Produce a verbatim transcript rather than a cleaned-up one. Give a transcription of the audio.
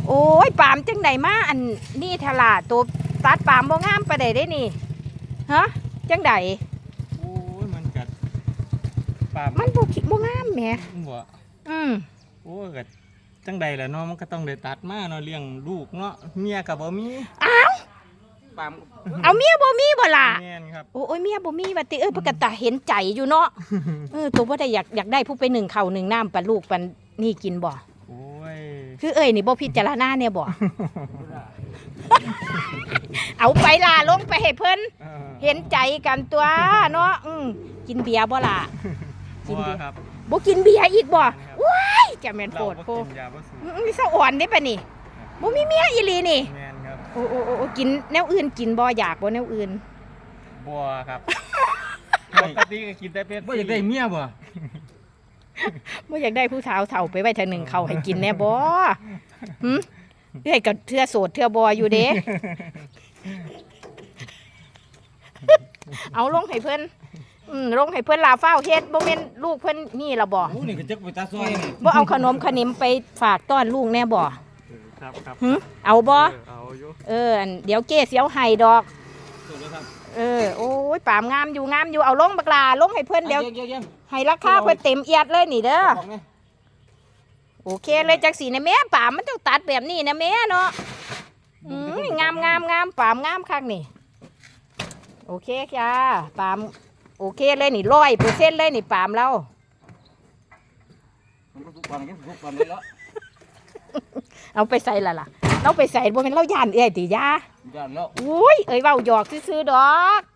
โอ้ยปามจังไดมาอันนี่ทลาตัวตัดปามบ่งามปะไดได้นี่ฮะจังไดโอ้ยมันกัดปามมันบ่คิดบ่งามแหมบ่อืมโอ้ยกัดจังใดล่ะเนาะมันก็ต้องได้ตัดมาเนาะเลี้ยงลูกเนาะเมียก็บ่มีอ้าวปามเอาเมียบ่มีบ่ล่ะแม่นครับโอ้ยเมียบ่มีว่าติเอ้ยเพิ่นก็ตาเห็นใจอยู่เนาะเออตัวบ่ได้อยากอยากได้ผู้ไปหนึ่งข้าวหนึ่งน้ำปันลูกปันนี่กินบ่โอ้ยคือเอ้ยนี่บ่พิจารณาเนี่ยบ่เอาไปล่ะลงไปให้เพิ่นเห็นใจกันตัวเนาะอืมกินเบียร์บ่ล่ะกินเบียร์ครับบ่กินเบียร์อีกบ่ว้ายจะแม่นโพดโพดมีสะอ่อนได้ปะนี่บ่มีเมียอีหลีนี่แม่นครับโอ้โอ้โอ้กินแนวอื่นกินบ่อยากบ่แนวอื่นบ่ครับปกติก็กินแต่เป็ดบ่อยากได้เมียบ่บ่อยากได้ผู้สาวเฒ่าไปไว้ทางหนึ่งเขาให้กินแน่บ่หึเอ้ยก็เทื่อโสดเทื่อบ่อยู่เด้เอาลงให้เพิ่นอืมลงให้เพิ่นลาฟ้าวเฮ็ดบ่แม่นลูกเพิ่นนี่ล่ะบ่นี่ก็จักไปตาซอยนี่บ่เอาขนมขนิมไปฝากต้อนลูกแน่บ่ครับครับหึเอาบ่เอาอยู่เอออันเดี๋ยวเก้เสียวให้ดอกเออโอ้ยปามงามอยู่งามอยู่เอาลงบักลาลงให้เพิ่นเดี๋ยวให้ราคาเพิ่นเต็มเอียดเลยนี่เด้อโอเคเลยจักสีนะแม่ปามมันต้องตัดแบบนี้นะแม่เนาะอืมงามงามงามปามงามคักนี่โอเคจ้าปามโอเคเลยนี่ร้อยเปอร์เซ็นต์เลยนี่ปามเราเอาไปใส่ละล่ะเราไปใส่บ่เป็นเราย่านเอ้ยติยาย่านแล้วอุ้ยเอ้ยเว้าหยอกซื่อๆดอก